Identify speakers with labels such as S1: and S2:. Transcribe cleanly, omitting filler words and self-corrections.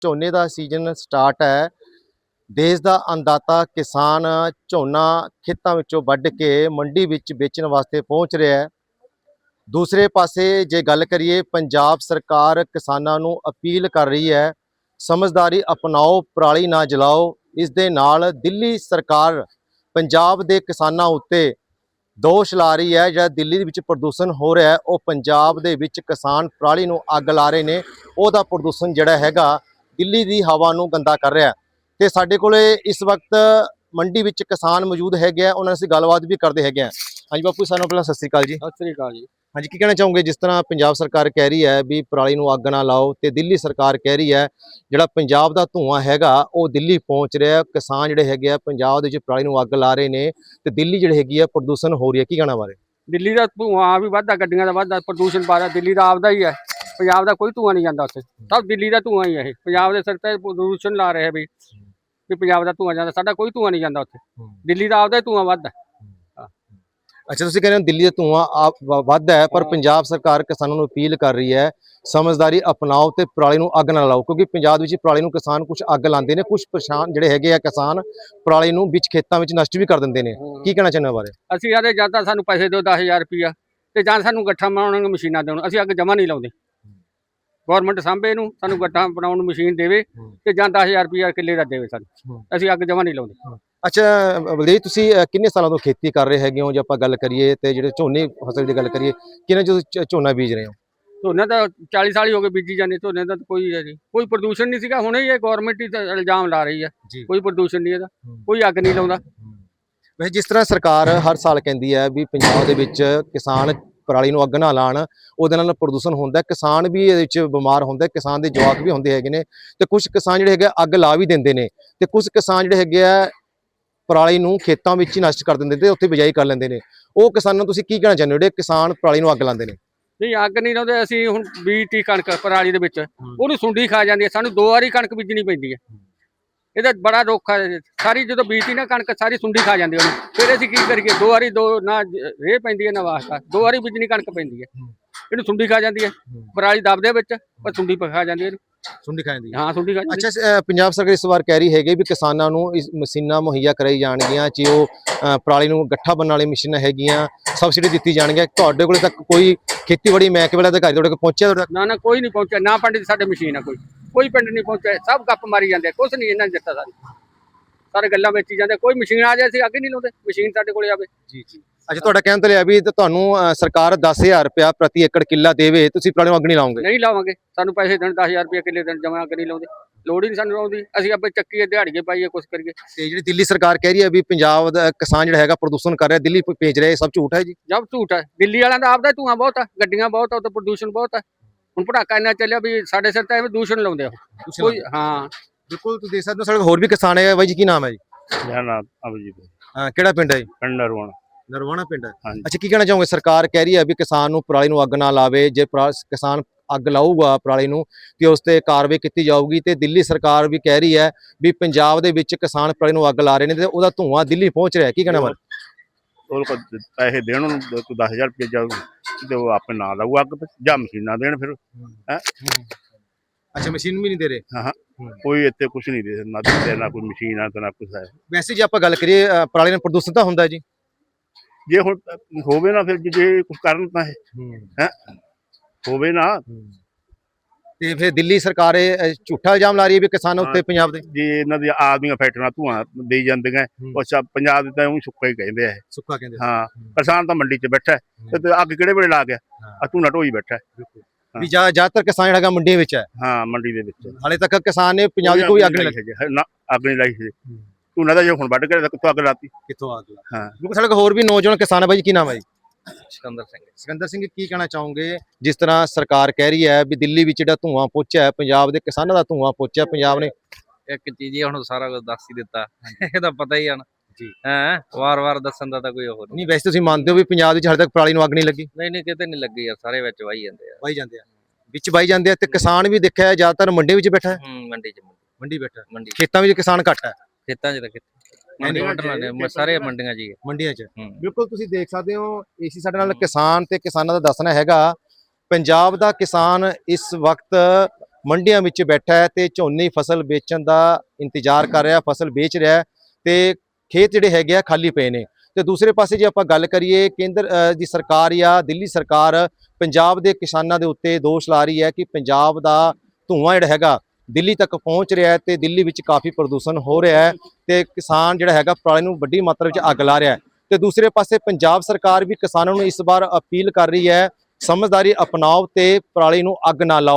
S1: ਝੋਨੇ ਦਾ season start ਹੈ। ਦੇਸ਼ ਦਾ ਅੰਨਦਾਤਾ ਕਿਸਾਨ ਝੋਨਾ ਖੇਤਾਂ ਵਿੱਚੋਂ ਵੱਢ ਕੇ ਮੰਡੀ ਵਿੱਚ ਵੇਚਣ ਵਾਸਤੇ ਪਹੁੰਚ ਰਿਹਾ ਹੈ। ਦੂਸਰੇ ਪਾਸੇ ਜੇ ਗੱਲ ਕਰੀਏ, ਪੰਜਾਬ ਸਰਕਾਰ ਕਿਸਾਨਾਂ ਨੂੰ ਅਪੀਲ ਕਰ ਰਹੀ ਹੈ, ਸਮਝਦਾਰੀ ਅਪਣਾਓ, ਪਰਾਲੀ ਨਾ ਜਲਾਓ। ਇਸ ਦੇ ਨਾਲ ਦਿੱਲੀ ਸਰਕਾਰ ਪੰਜਾਬ ਦੇ ਕਿਸਾਨਾਂ ਉੱਤੇ ਦੋਸ਼ ਲਾ ਰਹੀ ਹੈ। ਜਿਹੜਾ ਦਿੱਲੀ ਦੇ ਵਿੱਚ ਪ੍ਰਦੂਸ਼ਣ ਹੋ ਰਿਹਾ ਹੈ, ਉਹ ਪੰਜਾਬ ਦੇ ਵਿੱਚ ਕਿਸਾਨ ਪਰਾਲੀ ਨੂੰ ਅੱਗ ਲਾ ਰਹੇ ਨੇ। ਉਹਦਾ ਪ੍ਰਦੂਸ਼ਣ ਜਿਹੜਾ ਹੈਗਾ ਦਿੱਲੀ ਦੀ ਹਵਾ ਨੂੰ ਗੰਦਾ ਕਰ ਰਿਹਾ। ਤੇ ਸਾਡੇ ਕੋਲੇ ਇਸ ਵਕਤ ਮੰਡੀ ਵਿੱਚ ਕਿਸਾਨ ਮੌਜੂਦ ਹੈਗੇ ਆ, ਉਹਨਾਂ ਨਾਲ ਅਸੀਂ ਗੱਲਬਾਤ ਵੀ ਕਰਦੇ ਹੈਗੇ ਆ। ਹਾਂਜੀ ਬਾਪੂ, ਸਾਨੂੰ ਪਹਿਲਾਂ ਸਤਿ ਸ੍ਰੀ ਅਕਾਲ ਜੀ।
S2: ਸਤਿ ਸ੍ਰੀ ਅਕਾਲ ਜੀ।
S1: ਹਾਂਜੀ, ਕੀ ਕਹਿਣਾ ਚਾਹੋਗੇ? ਜਿਸ ਤਰ੍ਹਾਂ ਪੰਜਾਬ ਸਰਕਾਰ ਕਹਿ ਰਹੀ ਹੈ ਵੀ ਪਰਾਲੀ ਨੂੰ ਅੱਗ ਨਾ ਲਾਓ, ਤੇ ਦਿੱਲੀ ਸਰਕਾਰ ਕਹਿ ਰਹੀ ਹੈ ਜਿਹੜਾ ਪੰਜਾਬ ਦਾ ਧੂੰਆਂ ਹੈਗਾ ਉਹ ਦਿੱਲੀ ਪਹੁੰਚ ਰਿਹਾ। ਕਿਸਾਨ ਜਿਹੜੇ ਹੈਗੇ ਆ ਪੰਜਾਬ ਦੇ ਵਿੱਚ ਪਰਾਲੀ ਨੂੰ ਅੱਗ ਲਾ ਰਹੇ ਨੇ, ਤੇ ਦਿੱਲੀ ਜਿਹੜੀ ਹੈਗੀ ਆ ਪ੍ਰਦੂਸ਼ਣ ਹੋ ਰਹੀ ਹੈ। ਕੀ ਕਹਿਣਾ ਬਾਰੇ?
S2: ਦਿੱਲੀ ਦਾ ਧੂੰਆਂ ਵੀ ਵੱਧਦਾ, ਗੱਡੀਆਂ ਦਾ ਵੱਧਦਾ, ਪ੍ਰਦੂਸ਼ਣ ਵੱਧਦਾ। ਦਿੱਲੀ ਦਾ ਆਪਦਾ ਹੀ ਹੈ, ਪੰਜਾਬ ਦਾ ਕੋਈ ਧੂੰਆਂ ਨਹੀਂ ਜਾਂਦਾ ਉੱਥੇ। ਸਭ ਦਿੱਲੀ ਦਾ ਧੂੰਆਂ ਹੀ ਹੈ। ਇਹ ਪੰਜਾਬ ਦੇ ਸਿਰ ਤੇ ਪ੍ਰਦੂਸ਼ਣ ਲਾ ਰਹੇ ਵੀ ਪੰਜਾਬ ਦਾ ਧੂੰਆਂ ਜਾਂਦਾ, ਸਾਡਾ ਕੋਈ ਧੂੰਆਂ ਨਹੀਂ ਜਾਂਦਾ ਉੱਥੇ। ਦਿੱਲੀ ਦਾ ਆਪਦਾ ਹੀ ਧੂੰਆਂ ਵੱਧਦਾ।
S1: ਅੱਛਾ, ਤੁਸੀਂ ਕਹਿੰਦੇ ਹੋ ਦਿੱਲੀ ਦਾ ਧੂੰਆਂ ਵੱਧਦਾ ਹੈ, ਪਰ ਪੰਜਾਬ ਸਰਕਾਰ ਕਿਸਾਨਾਂ ਨੂੰ ਅਪੀਲ ਕਰ ਰਹੀ ਹੈ ਸਮਝਦਾਰੀ ਅਪਣਾਓ ਤੇ ਪਰਾਲੀ ਨੂੰ ਅੱਗ ਨਾ ਲਾਓ। ਕਿਉਂਕਿ ਪੰਜਾਬ ਵਿੱਚ ਪਰਾਲੀ ਨੂੰ ਕਿਸਾਨ ਕੁਝ ਅੱਗ ਲਾਉਂਦੇ ਨੇ, ਕੁਝ ਪਰੇਸ਼ਾਨ ਜਿਹੜੇ ਹੈਗੇ ਆ ਕਿਸਾਨ ਪਰਾਲੀ ਨੂੰ ਵਿੱਚ ਖੇਤਾਂ ਵਿੱਚ ਨਸ਼ਟ ਵੀ ਕਰ ਦਿੰਦੇ ਨੇ। ਕੀ ਕਹਿਣਾ ਚਾਹੁੰਦੇ ਹੋ ਬਾਰੇ?
S2: ਅਸੀਂ ਆਦੇ ਜਾਂ ਤਾਂ ਸਾਨੂੰ ਪੈਸੇ ਦਿਓ 10,000 ਰੁਪਇਆ, ਤੇ ਜਾਂ ਸਾਨੂੰ ਗੱਠਾਂ ਬਣਾਉਣ ਨੂੰ ਮਸ਼ੀਨਾਂ ਦੇਣ। ਅਸੀਂ ਅੱਗ ਜਮਾ ਨਹੀਂ ਲਾਉਂਦੇ। ਗੌਰਮੈਂਟ ਸਾਂਭੇ ਨੂੰ, ਸਾਨੂੰ ਗੱਠਾਂ ਬਣਾਉਣ ਨੂੰ ਮਸ਼ੀਨ ਦੇਵੇ, ਤੇ ਜਾਂ 10,000 ਰੁਪਇਆ ਕਿੱਲੇ ਦਾ ਦੇਵੇ ਸਾਨੂੰ। ਅਸੀਂ ਅੱਗ ਜਮਾ ਨਹੀਂ ਲਾਉਂਦੇ।
S1: ਅੱਛਾ ਬਲਦੇਵ, ਤੁਸੀਂ ਕਿੰਨੇ ਸਾਲਾਂ ਤੋਂ ਖੇਤੀ ਕਰ ਰਹੇ ਹੈਗੇ ਹੋ? ਜੇ ਆਪਾਂ ਗੱਲ ਕਰੀਏ ਤੇ ਜਿਹੜੇ ਝੋਨੇ ਫਸਲ ਦੀ ਗੱਲ ਕਰੀਏ, ਕਿੰਨੇ ਤੁਸੀਂ ਝੋਨਾ ਬੀਜ ਰਹੇ ਹੋ?
S2: ਝੋਨੇ ਤਾਂ 40 ਸਾਲ ਹੀ ਹੋ ਗਏ ਬੀਜੀ ਜਾਂਦੇ। ਝੋਨੇ ਦਾ ਕੋਈ ਹੈ ਜੀ, ਕੋਈ ਪ੍ਰਦੂਸ਼ਣ ਨਹੀਂ ਸੀਗਾ। ਹੁਣੇ ਇਹ ਗੌਰਮੈਂਟ ਹੀ ਤਾਂ ਇਲਜ਼ਾਮ ਲਾ ਰਹੀ ਹੈ, ਕੋਈ ਪ੍ਰਦੂਸ਼ਣ ਨਹੀਂ ਇਹਦਾ, ਕੋਈ ਅੱਗ ਨਹੀਂ ਲਾਉਂਦਾ।
S1: ਵੈਸੇ ਜਿਸ ਤਰ੍ਹਾਂ ਸਰਕਾਰ ਹਰ ਸਾਲ ਕਹਿੰਦੀ ਹੈ ਵੀ ਪੰਜਾਬ ਦੇ ਵਿੱਚ ਕਿਸਾਨ ਪਰਾਲੀ ਨੂੰ ਅੱਗ ਨਾ ਲਾਉਣ, ਉਹਦੇ ਨਾਲ ਪ੍ਰਦੂਸ਼ਣ ਹੁੰਦਾ, ਕਿਸਾਨ ਵੀ ਇਹਦੇ ਵਿੱਚ ਬਿਮਾਰ ਹੁੰਦਾ, ਕਿਸਾਨ ਦੇ ਜਵਾਕ ਵੀ ਹੁੰਦੇ ਹੈਗੇ ਨੇ। ਤੇ ਕੁਝ ਕਿਸਾਨ ਜਿਹੜੇ ਹੈਗੇ ਅੱਗ ਲਾ ਵੀ ਦਿੰਦੇ ਨੇ, ਤੇ ਕੁਝ ਕਿਸਾਨ ਜਿਹੜੇ ਹੈਗੇ ਆ ਪਰਾਲੀ ਨੂੰ ਖੇਤਾਂ ਵਿੱਚ ਹੀ ਨਸ਼ਟ ਕਰ ਦਿੰਦੇ ਤੇ ਉੱਥੇ ਬਿਜਾਈ ਕਰ ਲੈਂਦੇ ਨੇ। ਉਹ ਕਿਸਾਨਾਂ ਨੂੰ ਤੁਸੀਂ ਕੀ ਕਹਿਣਾ ਚਾਹੁੰਦੇ ਹੋ ਜਿਹੜੇ ਕਿਸਾਨ ਪਰਾਲੀ ਨੂੰ ਅੱਗ ਲਾਉਂਦੇ ਨੇ?
S2: ਨਹੀਂ, ਅੱਗ ਨਹੀਂ ਲਾਉਂਦੇ। ਅਸੀਂ ਹੁਣ ਬੀਜਤੀ ਕਣਕ ਪਰਾਲੀ ਦੇ ਵਿੱਚ, ਉਹਨੂੰ ਸੁੰਡੀ ਖਾ ਜਾਂਦੀ ਹੈ। ਸਾਨੂੰ 2 ਵਾਰੀ ਕਣਕ ਬੀਜਣੀ ਪੈਂਦੀ ਹੈ। ਇਹਦਾ ਬੜਾ ਰੋਖਾ ਸਾਰੀ ਜਦੋਂ ਬੀਜਤੀ ਨਾ ਕਣਕ, ਸਾਰੀ ਸੁੰਡੀ ਖਾ ਜਾਂਦੀ ਉਹਨੂੰ। ਫਿਰ ਅਸੀਂ ਕੀ ਕਰੀਏ? 2 ਵਾਰੀ ਨਾ ਰੇਹ ਪੈਂਦੀ ਹੈ ਨਾ ਵਾਸਤਾ, 2 ਵਾਰੀ ਬੀਜਣੀ ਕਣਕ ਪੈਂਦੀ ਹੈ। ਇਹਨੂੰ ਸੁੰਡੀ ਖਾ ਜਾਂਦੀ ਹੈ, ਪਰਾਲੀ ਦਬਦੇ ਵਿੱਚ, ਪਰ ਸੁੰਡੀ ਖਾ ਜਾਂਦੀ ਹੈ ਇਹਨੂੰ।
S1: ਸੁੰਡੀ ਖਾ ਜਾਂਦੀ ਹੈ?
S2: ਹਾਂ, ਸੁੰਡੀ ਖਾ ਜਾਂਦੀ।
S1: ਅੱਛਾ, ਪੰਜਾਬ ਸਰਕਾਰ ਇਸ ਵਾਰ ਕਹਿ ਰਹੀ ਹੈਗੀ ਵੀ ਕਿਸਾਨਾਂ ਨੂੰ ਇਸ ਮਸ਼ੀਨਾਂ ਮੁਹੱਈਆ ਕਰਾਈ ਜਾਣਗੀਆਂ, ਜੇ ਉਹ ਪਰਾਲੀ ਨੂੰ ਗੱਠਾ ਬਣਨ ਵਾਲੀ ਮਸ਼ੀਨਾਂ ਹੈਗੀਆਂ, ਸਬਸਿਡੀ ਦਿੱਤੀ ਜਾਣਗੀਆਂ। ਤੁਹਾਡੇ ਕੋਲੇ ਤੱਕ ਕੋਈ ਖੇਤੀਬਾੜੀ ਮਹਿਕਮੇ ਦਾ ਅਧਿਕਾਰੀ ਤੁਹਾਡੇ ਕੋਲ ਪਹੁੰਚਿਆ?
S2: ਨਾ, ਕੋਈ ਨਹੀਂ ਪਹੁੰਚਿਆ। ਨਾ ਪਿੰਡ 'ਚ ਸਾਡੇ ਮਸ਼ੀਨ ਆ, ਕੋਈ ਪਿੰਡ ਨਹੀਂ ਪਹੁੰਚਿਆ। ਸਭ ਗੱਪ ਮਾਰੀ ਜਾਂਦੇ, ਕੁਛ ਨਹੀਂ ਇਹਨਾਂ ਨੇ ਦਿੱਤਾ। ਸਾਰੇ ਗੱਲਾਂ ਵੇਚੀ ਜਾਂਦੇ। ਕੋਈ ਮਸ਼ੀਨ ਆ ਜਾਏ ਅਸੀਂ ਅੱਗੇ ਨਹੀਂ ਲਾਉਂਦੇ, ਮਸ਼ੀਨ ਸਾਡੇ ਕੋਲੇ ਆਵੇ।
S1: ਜੀ। ਅੱਛਾ, ਤੁਹਾਡਾ ਕਹਿਣ ਤੋਂ ਲਿਆ ਵੀ ਤੁਹਾਨੂੰ ਸਰਕਾਰ 10,000 ਰੁਪਇਆ ਪ੍ਰਤੀ ਏਕੜ ਕਿੱਲਾ ਦੇਵੇ, ਤੁਸੀਂ ਪਰਾਲੀ ਨੂੰ ਅੱਗ ਨਹੀਂ ਲਾਓਗੇ?
S2: ਨਹੀਂ ਲਾਵਾਂਗੇ। ਸਾਨੂੰ ਪੈਸੇ ਦੇਣ 10,000 ਰੁਪਇਆ ਕਿੱਲੇ ਦੇਣ, ਜਮਾ ਅੱਗ ਨਹੀਂ ਲਾਉਂਦੇ। ਲੋੜ ਹੀ ਨਹੀਂ ਸਾਨੂੰ ਲਾਉਂਦੀ। ਅਸੀਂ ਆਪੇ ਚੱਕੀਏ, ਦਿਹਾੜੀਏ ਪਾਈਏ, ਕੁਛ ਕਰੀਏ।
S1: ਤੇ ਜਿਹੜੀ ਦਿੱਲੀ ਸਰਕਾਰ ਕਹਿ ਰਹੀ ਹੈ ਵੀ ਪੰਜਾਬ ਦਾ ਕਿਸਾਨ ਜਿਹੜਾ ਹੈਗਾ ਪ੍ਰਦੂਸ਼ਣ ਕਰ ਰਿਹਾ, ਦਿੱਲੀ ਭੇਜ ਰਿਹਾ, ਇਹ ਸਭ ਝੂਠ ਹੈ ਜੀ?
S2: ਜਬ ਝੂਠ ਹੈ। ਦਿੱਲੀ ਵਾਲਿਆਂ ਦਾ ਆਪਦਾ ਧੂੰਆਂ ਬਹੁਤ ਹੈ, ਗੱਡੀਆਂ ਬਹੁਤ ਹੈ, ਉੱਥੇ ਪ੍ਰਦੂਸ਼ਣ ਬਹੁਤ ਹੈ। ਹੁਣ ਪਟਾਕਾ ਇੰਨਾ ਚੱਲਿਆ ਵੀ ਸਾਡੇ ਸਿਰ ਤੇ ਐਵੇਂ ਦੂਸ਼ਣ ਲਾਉਂਦੇ ਆ ਕੋਈ। ਹਾਂ
S1: ਬਿਲਕੁਲ, ਤੁਸੀਂ ਦੇਖ ਸਕਦੇ ਹੋ। ਸਾਡੇ ਹੋਰ ਵੀ ਕਿਸਾਨ ਹੈ ਬਾਈ ਜੀ, ਕੀ ਨਾਮ ਹੈ ਜੀ?
S3: ਮੇਰਾ ਨਾਮ ਅਭਿਜੀਤ ਹੈ।
S1: ਹਾਂ, ਕਿਹੜਾ ਪਿੰਡ ਹੈ ਜੀ?
S3: ਪਿੰਡ ਨਰਵਾਣਾ।
S1: ਨਰਵਾਣਾ ਪਿੰਡ ਹੈ।
S3: ਹਾਂਜੀ।
S1: ਅੱਛਾ, ਕੀ ਕਹਿਣਾ ਚਾਹੋਗੇ? ਸਰਕਾਰ ਕਹਿ ਰਹੀ ਹੈ ਵੀ ਕਿਸਾਨ ਨੂੰ ਪਰਾਲੀ ਨੂੰ ਅੱਗ ਨਾ ਲਾਵੇ, ਜੇ ਕਿਸਾਨ ਅੱਗ ਲਾਊਗਾ ਪਰਾਲੀ ਨੂੰ ਤੇ ਉਸ ਤੇ ਕਾਰਵਾਈ ਕੀਤੀ ਜਾਊਗੀ। ਤੇ ਦਿੱਲੀ ਸਰਕਾਰ ਵੀ ਕਹਿ ਰਹੀ ਹੈ ਵੀ ਪੰਜਾਬ ਦੇ ਵਿੱਚ ਕਿਸਾਨ ਪਰਾਲੀ ਨੂੰ ਅੱਗ ਲਾ ਰਹੇ ਨੇ ਤੇ ਉਹਦਾ ਧੂੰਆਂ ਦਿੱਲੀ ਪਹੁੰਚ ਰਿਹਾ। ਕੀ ਕਹਿਣਾ ਬਾਰੇ?
S3: ਉਹ ਪੈਸੇ ਦੇਣ ਉਹਨੂੰ 10,000 ਰੁਪਏ ਜਾਊ, ਤੇ ਉਹ ਆਪੇ ਨਾ ਲਾਊ ਅੱਗ, ਜਾਂ ਮਸ਼ੀਨਾਂ ਦੇਣ ਫਿਰ।
S1: ਅੱਛਾ, ਮਸ਼ੀਨ ਵੀ ਨਹੀਂ ਦੇ ਰਹੇ?
S3: ਹਾਂ, ਕੋਈ ਇੱਥੇ ਕੁਛ ਨਹੀਂ ਦੇ, ਨਾ ਦਿੱਤੇ, ਨਾ ਕੋਈ ਮਸ਼ੀਨ ਆ, ਨਾ ਕੁਛ ਹੈ।
S1: ਵੈਸੇ ਜੇ ਆਪਾਂ ਗੱਲ ਕਰੀਏ, ਪਰਾਲੀ ਨਾਲ ਪ੍ਰਦੂਸ਼ਣ ਤਾਂ ਹੁੰਦਾ ਜੀ?
S3: ਜੇ ਹੁਣ ਹੋਵੇ ਨਾ, ਫਿਰ ਜੇ ਕੁਛ ਕਰਨ ਤਾਂ ਹੈ ਹੋਵੇ ਨਾ।
S1: ਤੇ ਫਿਰ ਦਿੱਲੀ ਸਰਕਾਰ ਇਹ ਝੂਠਾ ਇਲਜ਼ਾਮ ਲਾ ਰਹੀ ਹੈ ਵੀ ਕਿਸਾਨਾਂ ਉੱਤੇ ਪੰਜਾਬ ਦੇ।
S3: ਜੇ ਇਹਨਾਂ ਦੀ ਆਪਦੀਆਂ ਫੈਕਟਰੀਆਂ ਧੂੰਆਂ ਦੇਈ ਜਾਂਦੀਆਂ, ਉਹ ਪੰਜਾਬ ਦੇ ਤਾਂ ਉਹ ਸੁੱਕਾ ਹੀ ਕਹਿੰਦੇ ਆ।
S1: ਸੁੱਕਾ ਕਹਿੰਦੇ?
S3: ਹਾਂ, ਕਿਸਾਨ ਤਾਂ ਮੰਡੀ 'ਚ ਬੈਠਾ ਤੇ ਅੱਗ ਕਿਹੜੇ ਵੇਲੇ ਲਾ ਗਿਆ? ਆ ਧੂੰਆਂ ਢੋਈ ਬੈਠਾ
S1: ਵੀ ਜ਼ਿਆਦਾਤਰ ਕਿਸਾਨ ਜਿਹੜਾ ਹੈਗਾ ਮੰਡੀਆਂ ਵਿੱਚ ਹੈ?
S3: ਹਾਂ, ਮੰਡੀ ਦੇ ਵਿੱਚ।
S1: ਹਾਲੇ ਤੱਕ ਕਿਸਾਨ ਨੇ ਪੰਜਾਬ ਦੀ ਕੋਈ ਅੱਗ ਨਹੀਂ ਲਾਈ?
S3: ਨਾ, ਅੱਗ ਨਹੀਂ ਲਾਈ ਸੀ। ਧੂਣਾ ਦਾ ਜੇ ਹੁਣ ਵੱਢ ਕੇ ਕਿੱਥੋਂ ਅੱਗ ਲਾਤੀ?
S1: ਕਿੱਥੋਂ ਅੱਗ ਲਾ?
S3: ਹਾਂ,
S1: ਕਿਉਂਕਿ ਸਾਡੇ ਕੋਲ ਹੋਰ ਵੀ ਨੌਜਵਾਨ ਕਿਸਾਨ ਹੈ ਬਾਈ ਜੀ, ਕੀ ਨਾਮ ਹੈ ਜੀ?
S4: ਸਿਕੰਦਰ ਸਿੰਘ।
S1: ਸਿਕੰਦਰ ਸਿੰਘ, ਕੀ ਕਹਿਣਾ ਚਾਹੋਗੇ? ਜਿਸ ਤਰ੍ਹਾਂ ਸਰਕਾਰ ਕਹਿ ਰਹੀ ਹੈ ਵੀ ਦਿੱਲੀ ਵਿੱਚ ਜਿਹੜਾ ਧੂੰਆਂ ਪਹੁੰਚਿਆ ਹੈ, ਪੰਜਾਬ ਦੇ ਕਿਸਾਨਾਂ ਦਾ ਧੂੰਆਂ ਪਹੁੰਚਿਆ, ਪੰਜਾਬ ਨੇ
S4: ਇੱਕ ਚੀਜ਼ ਹੀ ਹੁਣ ਸਾਰਾ ਕੁਝ ਦੱਸ ਹੀ ਦਿੱਤਾ, ਇਹਦਾ ਪਤਾ ਹੀ ਆ ਨਾ
S1: ਜੀ।
S4: ਵਾਰ-ਵਾਰ ਦੱਸਣ ਦਾ ਤਾਂ ਕੋਈ ਉਹ
S1: ਨਹੀਂ। ਵੈਸੇ ਤੁਸੀਂ ਮੰਨਦੇ ਹੋ ਵੀ ਪੰਜਾਬ ਵਿੱਚ ਹਾਲੇ ਤੱਕ ਪਰਾਲੀ ਨੂੰ ਅੱਗ ਨਹੀਂ ਲੱਗੀ?
S4: ਨਹੀਂ, ਕਿਤੇ ਨਹੀਂ ਲੱਗੀ ਯਾਰ, ਸਾਰੇ ਵਿੱਚ ਵਾਈ ਜਾਂਦੇ ਆ।
S1: ਵਾਈ ਜਾਂਦੇ ਆ, ਵਿੱਚ ਵਾਈ ਜਾਂਦੇ ਆ। ਤੇ ਕਿਸਾਨ ਵੀ ਦੇਖਿਆ ਜ਼ਿਆਦਾਤਰ ਮੰਡੀ ਵਿੱਚ ਬੈਠਾ ਹੈ? ਮੰਡੀ ਬੈਠਾ। ਖੇਤਾਂ ਵਿੱਚ ਕਿਸਾਨ ਘੱਟ ਹੈ?
S4: ਖੇਤਾਂ 'ਚ ਤਾਂ ਸਾਰੇ ਮੰਡੀਆਂ 'ਚ ਹੀ
S1: ਮੰਡੀਆਂ 'ਚ। ਬਿਲਕੁਲ, ਤੁਸੀਂ ਦੇਖ ਸਕਦੇ ਹੋ। ਇਸੇ ਸਾਡੇ ਨਾਲ ਕਿਸਾਨ ਤੇ ਕਿਸਾਨਾਂ ਦਾ ਦੱਸਣਾ ਹੈਗਾ, ਪੰਜਾਬ ਦਾ ਕਿਸਾਨ ਇਸ ਵਕਤ ਮੰਡੀਆਂ ਵਿੱਚ ਬੈਠਾ ਹੈ ਤੇ ਝੋਨੇ ਦੀ ਫਸਲ ਵੇਚਣ ਦਾ ਇੰਤਜ਼ਾਰ ਕਰ ਰਿਹਾ, ਫਸਲ ਵੇਚ ਰਿਹਾ ਹੈ ਤੇ ਖੇਤ ਜਿਹੜੇ ਹੈਗੇ ਆ ਖਾਲੀ ਪਏ ਨੇ। ਤੇ ਦੂਸਰੇ ਪਾਸੇ ਜੇ ਆਪਾਂ ਗੱਲ ਕਰੀਏ ਕੇਂਦਰ ਦੀ ਸਰਕਾਰ ਜਾਂ ਦਿੱਲੀ ਸਰਕਾਰ ਪੰਜਾਬ ਦੇ ਕਿਸਾਨਾਂ ਦੇ ਉੱਤੇ ਦੋਸ਼ ਲਾ ਰਹੀ ਹੈ ਕਿ ਪੰਜਾਬ ਦਾ ਧੂੰਆਂ ਜਿਹੜਾ ਹੈਗਾ ਦਿੱਲੀ ਤੱਕ ਪਹੁੰਚ ਰਿਹਾ ਹੈ ਤੇ ਦਿੱਲੀ ਵਿੱਚ ਕਾਫੀ ਪ੍ਰਦੂਸ਼ਣ ਹੋ ਰਿਹਾ ਹੈ ਤੇ ਕਿਸਾਨ ਜਿਹੜਾ ਹੈਗਾ ਪਰਾਲੀ ਨੂੰ ਵੱਡੀ ਮਾਤਰਾ ਵਿੱਚ ਅੱਗ ਲਾ ਰਿਹਾ ਹੈ। ਤੇ ਦੂਸਰੇ ਪਾਸੇ ਪੰਜਾਬ ਸਰਕਾਰ ਵੀ ਕਿਸਾਨਾਂ ਨੂੰ ਇਸ ਵਾਰ ਅਪੀਲ ਕਰ ਰਹੀ ਹੈ ਸਮਝਦਾਰੀ ਅਪਣਾਓ ਤੇ ਪਰਾਲੀ ਨੂੰ ਅੱਗ ਨਾ ਲਾਓ।